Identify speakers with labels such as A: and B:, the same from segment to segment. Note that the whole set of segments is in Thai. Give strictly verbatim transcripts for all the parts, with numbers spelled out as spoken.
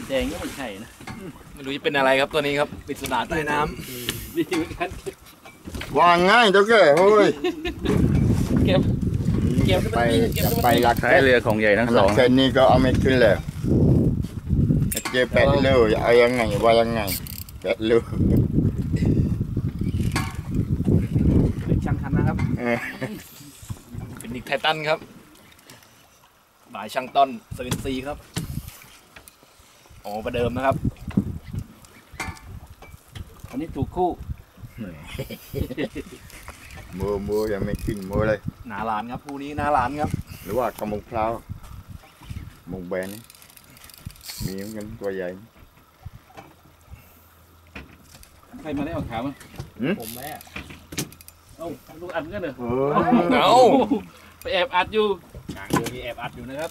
A: แดงก็ไม่ใช่นะ
B: ไม่รู้จะเป็นอะไรครับตัวนี้ครับปริศนาใต้น้ำ
A: ดีเหมือนกัน
C: วางง่ายเจ้าแก่เฮ้ย
A: เก็บเก็บ
C: ไปจะไปหลัก
D: ท้ายเรือของใหญ่ทั้งสอง
C: เส้นนี้ก็เอาไม่ขึ้นแล้วเจ็บแปดเลยเอายังไงว่ายังไงแปดเลย
A: ช่างทันนะครับ
B: เป็นนิกไททันครับบ่ายช่างต้นสวินซีครับโอ้ประเดิมนะครับ
A: อันนี้ถูกคู่
C: มือมือยังไม่ขึ้นมือเลย
B: หนาหลานครับคู่นี้หนาหลานครับ
C: หรือว่ากระมงพร้าวมงแบนนี่มีเหมือนกันตัวใหญ่
A: ใครมาได้ออกขาวมั้ยผมแม่เอ้าลูกอัดกันเหรอ
B: เอ้า
A: ไปแอบอัดอยู่
B: กลางเรือมีแอบอัดอยู่นะครับ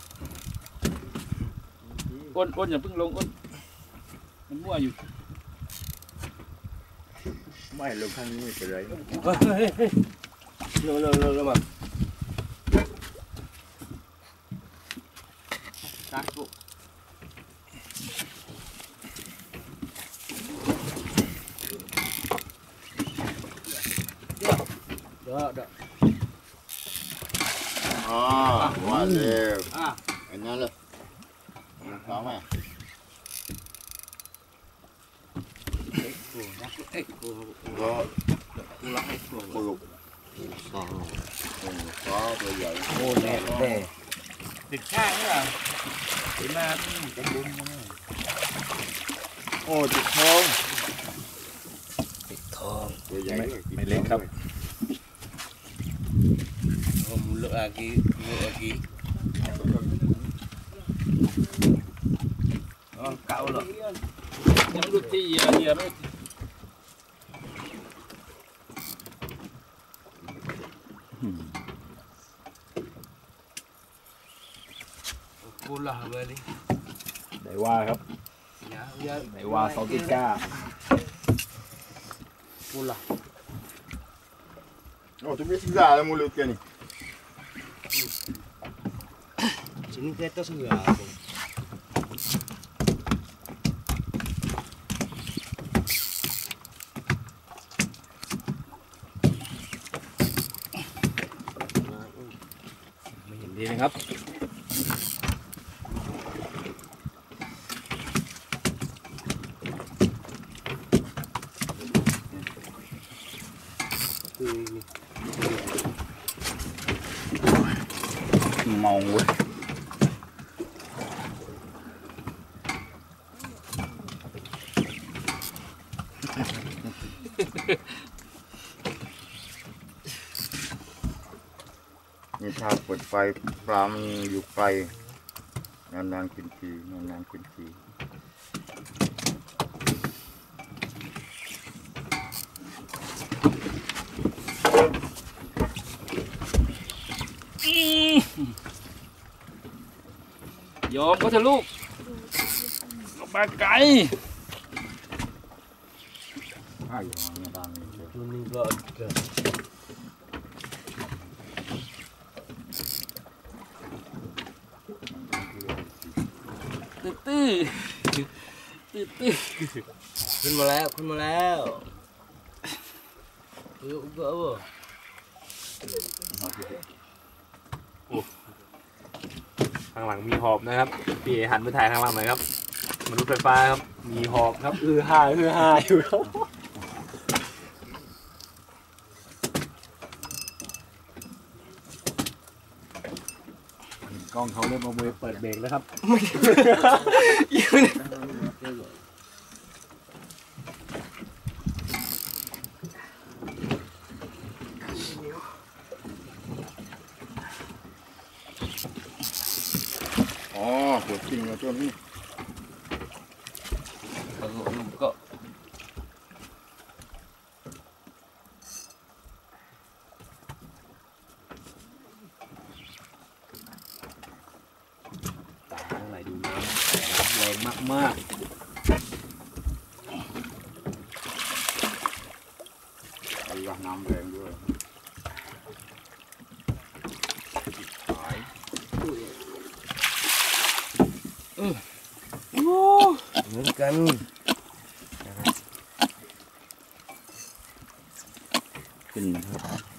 A: อ้นอ้นอย่าเพิ่งลงอ้นมันมั่วอยู่
C: ไม่ลงข้างนี้ไปเลย
A: เร็วเร็วเร็วเร็วมาตักปุ๊บเดี๋ยวเดี๋ยวเดี๋ยว
C: อ๋อว่าเร็วอันนั้นเลยพร้อมไหมก็กูรักให้กูปลุกสองก็ตัวใหญ่
A: โอ้แน่แน่ติดข้างนี่เหรอติดมาจะบุ้ม
C: โอ้ติดทอง
A: ติดทอง
C: ตัวใหญ่
B: ไม่เล็กครับ
A: ผมเลือกอากีเลือกอากีอ๋อเก่าหรอยังดูที่เยอะเยอะไม่กูหล่อเลย
B: ไหนว่าครับไหนว่าซอติก้า
A: กูหล่อ
C: โอ้ทุกสิ่งอย่างเลยมูลกันนี่
A: ชิ้นแค่ตัวเสือ
B: ไม่เห็นดีนะครับ
D: เมาเว้ย
C: นี่ถ้าเปิดไฟปลามันอยู่ไกลนานๆขึ้นทีนานๆขึ้นที
A: ยอมก็เถอะลูกลงมาไกล
C: อ้าวยอมนะบางนี่
A: ตัวนี้ก็เกิดตื้อตื้อตื้อตื้อขึ้นมาแล้วขึ้นมาแล้วเออเออ
B: ข้างหลังมีหอบนะครับพี่เอหันไปถ่ายข้างหลังหน่อยครับมนุษย์ไฟฟ้าครับมีหอบครับอือฮ่าอือฮ่าอยู่ครับกล้องเขาเริ่มเอามือเปิดเบรกแล้วครับ
C: อ๋อตัวจริงนะตัวนี้
A: ก็
B: มาก
C: ไอ้น้ำแรงด้วยหาย
A: โอ้เหมือนกัน
D: ขึ้นนะครับ